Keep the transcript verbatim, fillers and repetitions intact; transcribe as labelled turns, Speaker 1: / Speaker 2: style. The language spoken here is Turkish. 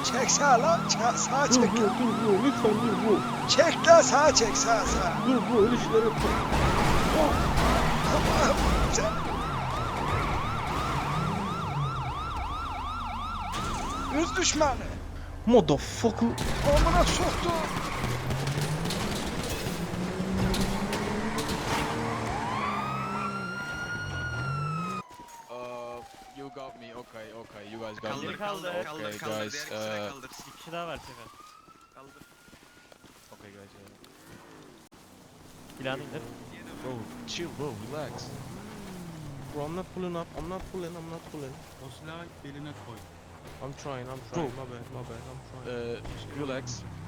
Speaker 1: Çek sağa lan. Çek, sağa
Speaker 2: Dur
Speaker 1: çek.
Speaker 2: bro dur bro lütfen dur bro.
Speaker 1: Çek lan sağa çek sağa sağa.
Speaker 2: Dur bro öyle şeyler yapma.
Speaker 1: Allah'ım sen. Hız düşmanı.
Speaker 2: Motherfucker.
Speaker 1: Amına soktu.
Speaker 3: Uh, you got me. Okay, okay. You guys got
Speaker 4: Kaldır
Speaker 3: me.
Speaker 4: kaldır
Speaker 3: Okay,
Speaker 4: kaldır kaldır
Speaker 3: guys,
Speaker 4: diğer kişileri
Speaker 3: uh,
Speaker 4: kaldır.
Speaker 5: Bir kişi daha var Sefer.
Speaker 4: Kaldır.
Speaker 3: Okay, guys. Uh,
Speaker 5: Silahını indir.
Speaker 3: bro, chill, bro. Relax.
Speaker 2: Bro I'm not pulling up. I'm not pulling. I'm not pulling.
Speaker 6: O silahı beline koy.
Speaker 2: I'm trying. I'm trying. My bad. My bad. I'm trying.
Speaker 3: Uh, relax.